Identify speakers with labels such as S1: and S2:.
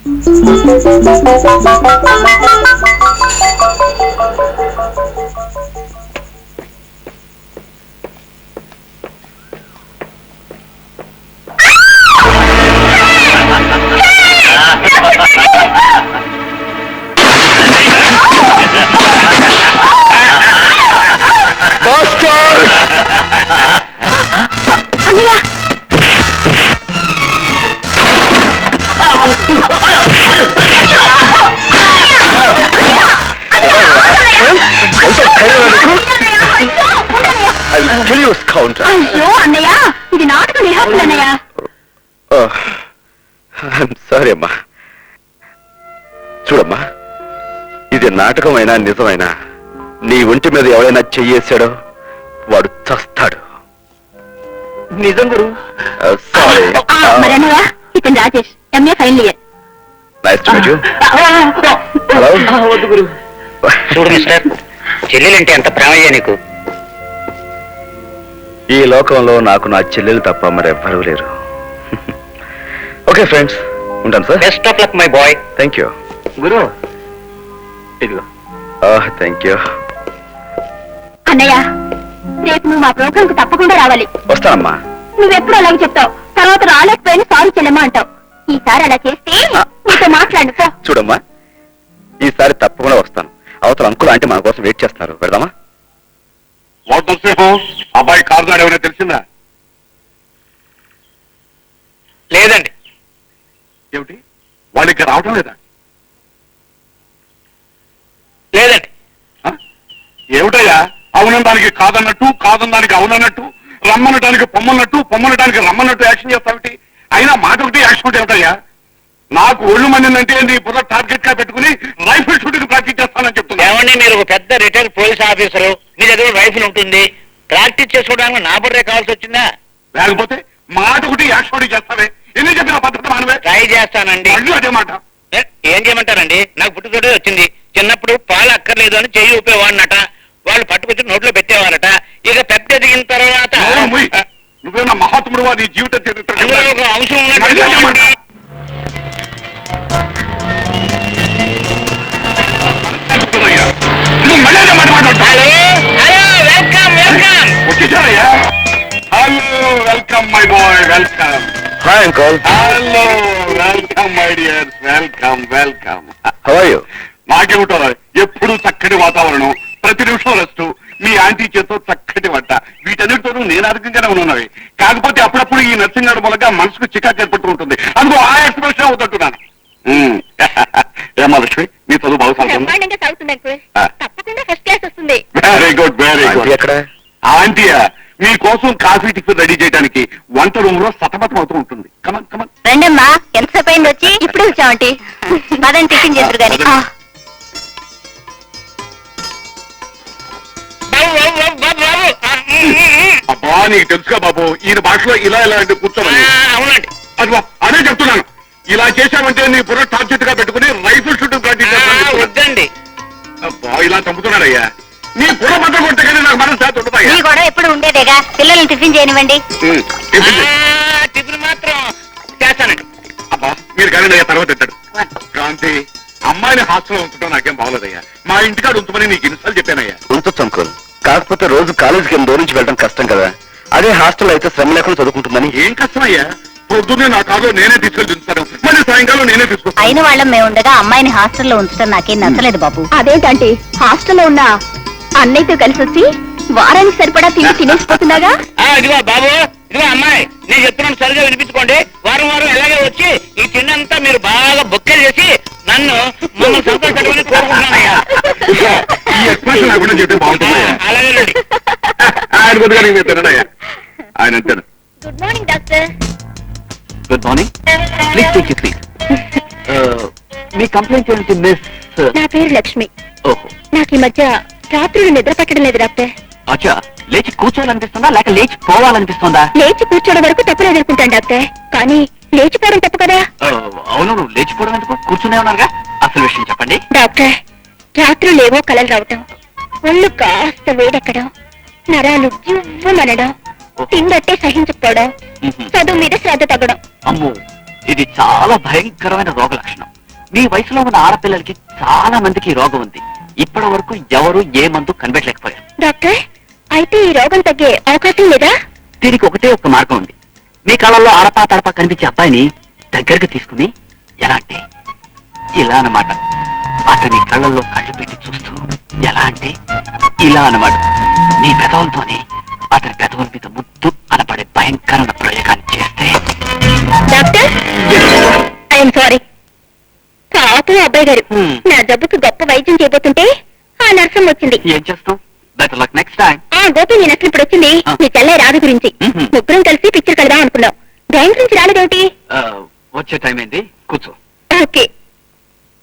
S1: ఇది నాటకం రిహార్సల్ అన్నయ్య.
S2: సారీ అమ్మా. చూడమ్మా, ఇది నాటకమైనా నిజమైనా నీ ఒంటి మీద ఎవరైనా చెయ్యేశాడో వాడు చస్తాడు.
S3: నిజం గురు.
S2: సారీ.
S1: మరి అన్నయ్య, ఇతను Rajesh, MA final year.
S2: Nice to meet you. Hello.
S3: వద్దు గురు. చూడు మిస్టర్, చెల్లెలంటే ఎంత ప్రేమయ్యా నీకు.
S2: ఈ లోకంలో నాకు నా చెల్లెలు తప్ప మరెవ్వరూ లేరు. ఓకే ఫ్రెండ్స్, ఉంటాను sir.
S3: Best of luck my boy.
S2: Thank you
S3: గురు. ఇదిగో.
S2: Thank you.
S1: అన్నయ్య, రేపు నువ్వు మా ప్రోగ్రామ్ కు తప్పకుండా రావాలి.
S2: వస్తానమ్మా.
S1: నువ్వెప్పుడు అలాగే చెప్తావు, తర్వాత రాలేకపోయినా సారీ చెల్లెమ్మా అంటావు. ఈసారి అలా చేస్తే నీతో మాట్లాడు.
S2: చూడమ్మా, ఈసారి తప్పకుండా వస్తాను. అవతల అంకుల్ అంటే మన కోసం వెయిట్ చేస్తున్నారు. పెడదామా?
S4: అబ్బాయి కారు దాడి ఏమైనా తెలిసిందా?
S3: లేదండి.
S4: ఏమిటి, వాళ్ళు ఇక్కడ రావటం లేదా?
S3: లేదండి.
S4: ఏమిటయ్యా, అవునడానికి కాదన్నట్టు, కాదనడానికి అవునన్నట్టు, రమ్మనటానికి పొమ్మన్నట్టు, పొమ్మనటానికి రమ్మన్నట్టు యాక్షన్ చేస్తావిటి? అయినా మాట ఒకటి యాక్షన్ ఒకటి ఏమిటయ్యా? నాకు ఒళ్ళు మందిందంటే నీ బుర్ర టార్గెట్ గా పెట్టుకుని రైఫిల్ షూటింగ్ ప్రాక్టీస్ చేస్తానని చెప్తున్నా.
S3: ఏమండి, మీరు ఒక పెద్ద రిటైర్డ్ పోలీస్ ఆఫీసరు, మీ దగ్గర రైఫిల్ ఉంటుంది, ప్రాక్టీస్ చేసుకోవడానికి నా బుర్రే కావాల్సి వచ్చిందా?
S4: లేకపోతే మాట ఒకటి యాక్షన్ ఒకటి చేస్తావే. ఎన్ని చెప్పిన పద్ధతి మానవే.
S3: ట్రై చేస్తానండి.
S4: అదే మాట.
S3: ఏం చేయమంటారండి? నాకు పుట్టుతోటే వచ్చింది. చిన్నప్పుడు పాలు అక్కర్లేదు అని చెయ్యి ఊపేవాడినట, వాళ్ళు పట్టుకొచ్చి నోట్లో పెట్టేవారట. ఇక పెద్ద ఎదిగిన తర్వాత
S4: నువ్వేనా మహాత్ముడు నీ జీవిత చరిత్ర
S3: ఒక అంశం ఉన్నట్టు.
S4: వచ్చేసారయ్యా. Hello, welcome my boy, welcome.
S2: Hi uncle.
S4: Hello, welcome my dears, welcome welcome.
S2: How are you?
S4: నాకేమిటో ఎప్పుడు చక్కటి వాతావరణం, ప్రతి నిమిషం రెస్ట్, మీ ఆంటీ చేతో చక్కటి వంట, వీటన్నిటితోనూ నేను అధికంగానే ఉన్నవి. కాకపోతే అప్పుడప్పుడు ఈ నర్సింగ్ మూలంగా మనసుకు చికాకు ఏర్పడుతూ ఉంటుంది. అందుకో ఆ ఎక్స్ప్రెషన్ అవుతుంటున్నాను. ఏమా లక్ష్మి, నీ చదువు బాగా
S1: తప్పకుండా ఫస్ట్ క్లాస్ వస్తుంది.
S4: Very good, very good.
S2: ఎక్కడ?
S4: ఆంటీయా మీకోసం కాఫీ టిఫిన్ రెడీ చేయడానికి వంట రూమ్ లో సతమతం అవుతూ ఉంటుంది. Come on come on.
S1: రండమ్మా, ఎంతసేపు అయింది వచ్చి? ఇప్పుడు వచ్చామంటి. మదన్ టిఫిన్ చేద్దరు గాని.
S4: అబ్బా, నీకు తెలుసుగా బాబు, ఈయన భాషలో ఇలా ఇలా అంటే కూర్చోమని.
S3: అవునండి.
S4: అదిగో అదే చెప్తున్నాను. ఇలా చేశామంటే నీ బుర్ర టార్గెట్ గా పెట్టుకుని రైఫిల్ షూటింగ్ ప్రాక్టీస్ చేస్తాను.
S3: వద్దండి.
S4: అబ్బా, ఇలా చంపుతున్నాడయ్యా. నీ బుర్ర బట్ట కొట్టే కానీ నాకు మనసు చేత ఉంటుందా?
S1: నీ కూడా ఎప్పుడు ఉండేదేగా. పిల్లల్ని టిఫిన్ చేయనివ్వండి.
S3: టిఫిన్ మాత్రం చేస్తానండి.
S4: అబ్బా, మీరు కానీ అయ్యా తర్వాత తింటాడు. క్రాంతి, అమ్మాయిని హాస్టల్లో ఉంచడం నాకేం బాగోలేదయ్యా. మా ఇంటికాడ ఉంచమని నీకు ఇన్నిసార్లు చెప్పానయ్యా.
S2: ఉంచొచ్చు అంకుల్, కాకపోతే రోజు కాలేజీకి దూరం నుంచి వెళ్ళడం కష్టం కదా. అదే హాస్టల్ అయితే శ్రమ లేకుండా చదువుకుంటుందని.
S4: ఏం కష్టమయ్యా, పొద్దున్నే నా కారులో నేనే తీసుకెళ్ళి దించుతాను, మళ్ళీ సాయంకాలం నేనే తీసుకొస్తాను.
S1: అయిన వాళ్ళం మేము ఉండగా అమ్మాయిని హాస్టల్లో ఉంచడం నాకేం నచ్చలేదు బాబు. అదేంటంటే హాస్టల్లో ఉన్న అన్నయ్యతో కలిసి వచ్చి వారానికి సరిపడా తిండి తినేసిపోతున్నాగా.
S3: ఇదిగో బాబు, ఇదిగో అమ్మాయి, నేను చెప్తున్నాను సరిగా వినిపించుకోండి. వారం వారం ఎలాగే వచ్చి ఈ తిన్నంతా మీరు బాగా బొక్కే చేసి నన్ను మమ్మల్ని సంతోషపెట్టుకుని కోరుకుంటున్నానయ్యా.
S4: ఈ ఎక్స్ప్రెషన్ లేకుండా చెప్తే బాగుంటుంది.
S3: అలాగేనండి.
S4: ఆయన కొద్దిగా నేను తినడయ్యా, ఆయన అంటాడు.
S1: Good morning doctor.
S3: Good morning. Please take your seat. మీ కంప్లైంట్ ఏంటి మిస్?
S1: నా పేరు లక్ష్మి.
S3: ఓహో,
S1: నాకు ఈ మధ్య రాత్రులు నిద్ర పట్టడం లేదు డాక్టర్.
S3: అచ్చా, లేచి కూర్చోవాలనిపిస్తుందా లేక లేచి పోవాలనిపిస్తుందా?
S1: లేచి కూర్చోవడం వరకు తప్పలేదు అనుకుంటాను డాక్టర్, కానీ లేచిపోవడం తప్పు కదా.
S3: అవును, నువ్వు లేచిపోవడం ఎందుకు? కూర్చునే ఉన్నారుగా. అసలు విషయం చెప్పండి
S1: డాక్టర్. రాత్రులేవో కలలు రావటం, ఒళ్ళు కాస్త వేడెక్కడం, నరాలు జివ్వమనడం, తిండట్టే సహించకపోవడం, చదువు మీద శ్రద్ధ తగ్గడం.
S3: అమ్మో, ఇది చాలా భయంకరమైన రోగ లక్షణం.
S5: మీ వయసులో ఉన్న ఆడపిల్లలకి చాలా మందికి ఈ రోగం ఉంది. ఇప్పటి వరకు ఎవరు ఏ మందు కనిపెట్టలేకపోయారు.
S1: డాక్టర్ అయితే ఈ రోగం తగ్గే అవకాశం లేదా?
S5: దీనికి ఒకటే ఒక మార్గం ఉంది. మీ కళ్ళల్లో ఆడపా తడపా కనిపించే అబ్బాయిని దగ్గరకు తీసుకుని ఎలా అంటే ఇలా అన్నమాట. అతని కళ్ళల్లో కళ్ళు పెట్టి చూస్తూ ఎలా అంటే ఇలా అన్నమాట. మీ పెదవులతోనే అతని పెదవుల మీద ముద్దు అనబడే భయంకరమైన ప్రయోగాన్ని చేస్తే.
S1: Doctor I'm sorry. పాపం అబ్బాయి గారు నా జబ్బుకు గొప్ప వైద్యం చేయబోతుంటే ఆ నర్సం వచ్చింది.
S5: ఏం చేస్తాం? Better luck next time.
S1: ఆ గోపి నేను అసలు ఇప్పుడు వచ్చింది మీ చెల్లె రాధ గురించి. ముగ్గురం కలిసి పిక్చర్ కడదాం అనుకున్నాం. బ్యాంక్ నుంచి రాలేదేమిటి?
S5: వచ్చే టైం ఏంది? కూర్చో.
S1: ఓకే.